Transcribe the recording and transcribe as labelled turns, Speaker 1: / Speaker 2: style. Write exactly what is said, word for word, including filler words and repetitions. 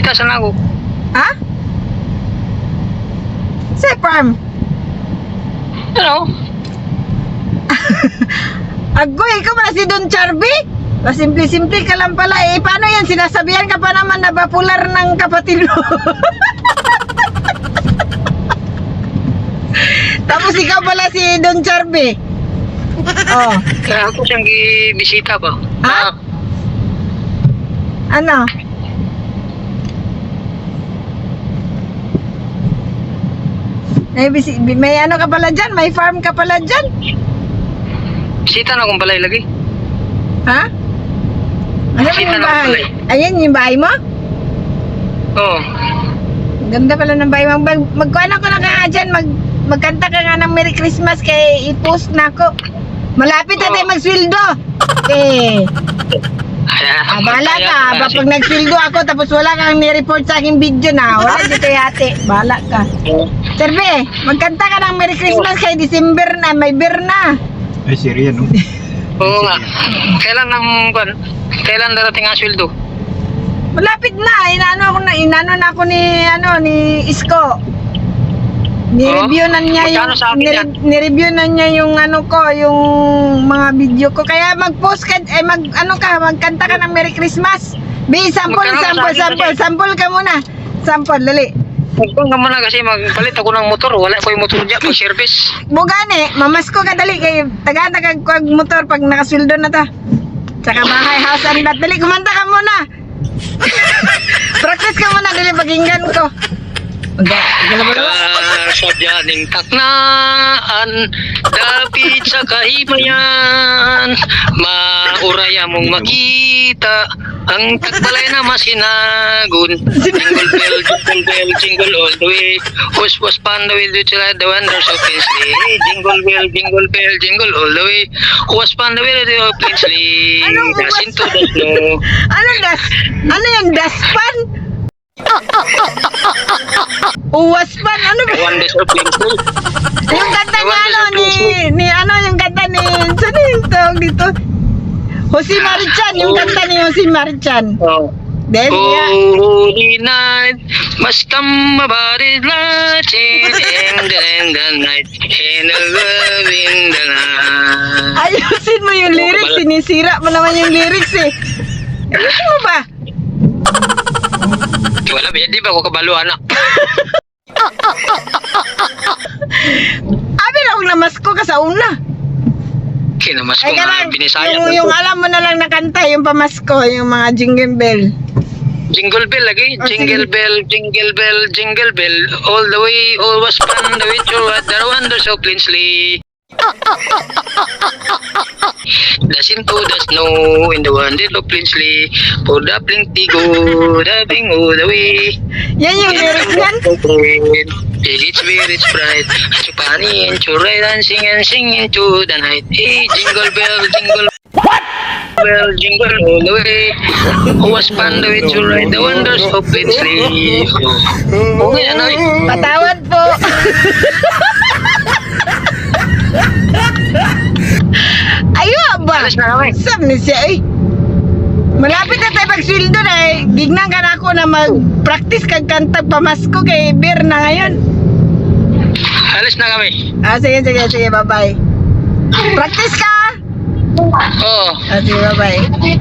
Speaker 1: Bisita sa ako.
Speaker 2: Ha? Sa farm.
Speaker 1: Ano?
Speaker 2: Agoy, ikaw pala si Don Charby? O, simple-simple ka lang pala eh. Paano yan? Sinasabihan ka pa naman na popular ng kapatid mo. Tapos ikaw pala si Don Charby. Oh.
Speaker 1: Kaya ako siyang bisita ba?
Speaker 2: Ha? Ano? May, bisi- may ano ka pala dyan? May farm ka pala dyan?
Speaker 1: Bisita na akong balay lagi.
Speaker 2: Ha? Ano ba
Speaker 1: Bisita
Speaker 2: yung
Speaker 1: na akong
Speaker 2: bahay?
Speaker 1: balay.
Speaker 2: Ayan yung bahay mo?
Speaker 1: Oo.
Speaker 2: Ganda pala ng bahay mo. Mag, magkuhan ako na ka nga dyan. Mag, magkanta ka nga ng Merry Christmas kay i-post na ako. Malapit na
Speaker 1: Oo.
Speaker 2: tayo magsweldo. Eh. Ah, bahala ka. Ba, pag nagsweldo ako tapos wala kang ni-report sa aking video na, wala dito yate. Bahala ka. Serbe, magkanta ka ng Merry Christmas kay December na. May beer na.
Speaker 3: Ay, seriya, no?
Speaker 1: Oo nga. Kailan ang kwan? Kailan darating ang sweldo?
Speaker 2: Malapit na. Inano ako na, inano na ako ni, ano, ni Isko. Ni-review na niya yung,
Speaker 1: Magkano sa akin yan?
Speaker 2: ni- ni-review na niya yung ano ko, yung mga video ko. Kaya mag-post ka, eh, mag, ano ka, magkanta ka ng Merry Christmas. Bi, sample,
Speaker 1: Magkano sa
Speaker 2: sample,
Speaker 1: akin
Speaker 2: sample,
Speaker 1: kasi?
Speaker 2: sample ka muna. Sample, dali.
Speaker 1: Huwag ka muna kasi magpalit ako ng motor. Wala ko yung motor dyan pag service.
Speaker 2: Bugane, mamasko ka dali kay taga-taga ko ang motor pag nakasweldo na ta. Tsaka bahay, house and lot. Dali, kumanta ka muna. Practice ka muna, dali, pakinggan ko.
Speaker 1: Kasadyaning taknaan, dapit sa kahimayan, mauraya mong makita ang tagbalay na masinagun. Jingle bell, jingle bell, jingle all the way. Hush, hush, panda will do till the wonders of Pinsley. Jingle bell, jingle bell, jingle all the way. Hush, panda will do of Pinsley.
Speaker 2: Anong huwas-
Speaker 1: Dasin to the snow.
Speaker 2: Ano das? Ano yung daspan? Uwas pan? Ano ba?
Speaker 1: Wonders of Pinsley.
Speaker 2: Yung kanta ni
Speaker 1: Wonders
Speaker 2: ano
Speaker 1: of
Speaker 2: ni,
Speaker 1: Pinsley.
Speaker 2: ni ano yung kanta ni, saan yung tawag dito? Jose Marichan, yung kanta ni Jose Marichan.
Speaker 1: Oh.
Speaker 2: Then, yeah.
Speaker 1: Holy night must come about it lighting in the, in the night in the love in the night.
Speaker 2: Ayusin mo yung lyrics, sinisira mo naman yung lyrics eh. Ayusin mo ba?
Speaker 1: Wala ba, di ba ako kabalo anak?
Speaker 2: Abi na kung namasko ka sa una.
Speaker 1: Kinamas ko
Speaker 2: Ay
Speaker 1: nga
Speaker 2: karang,
Speaker 1: binisaya.
Speaker 2: yung, yung alam mo na lang na kanta, yung pamasko, yung mga jingle bell.
Speaker 1: Jingle bell lagi,
Speaker 2: Oh,
Speaker 1: jingle
Speaker 2: sige.
Speaker 1: bell, jingle bell, jingle bell, all the way, always fun the with your what the wonders of Linsley. Dasin to the snow in the wonder of Linsley, for the plenty go, dabbing all the way.
Speaker 2: Yan yung lyrics yan.
Speaker 1: It's very it's bright. Chupani and churay dancing and singing to the night. Hey, jingle bell, jingle bell, jingle all the way. Who was fun with to ride the wonders of Pinsley? Okay, ano eh?
Speaker 2: Patawad po. Ayo ba?
Speaker 1: Alas na kami.
Speaker 2: Sam ni siya eh. Malapit na tayo pag-sweldo na eh. Gignan ka na ako na mag-practice kag kantag pamasko kay beer na ngayon.
Speaker 1: Alis na kami.
Speaker 2: Ah, sige, sige, sige, bye-bye. Practice ka!
Speaker 1: Oo.
Speaker 2: Ah, sige, bye-bye.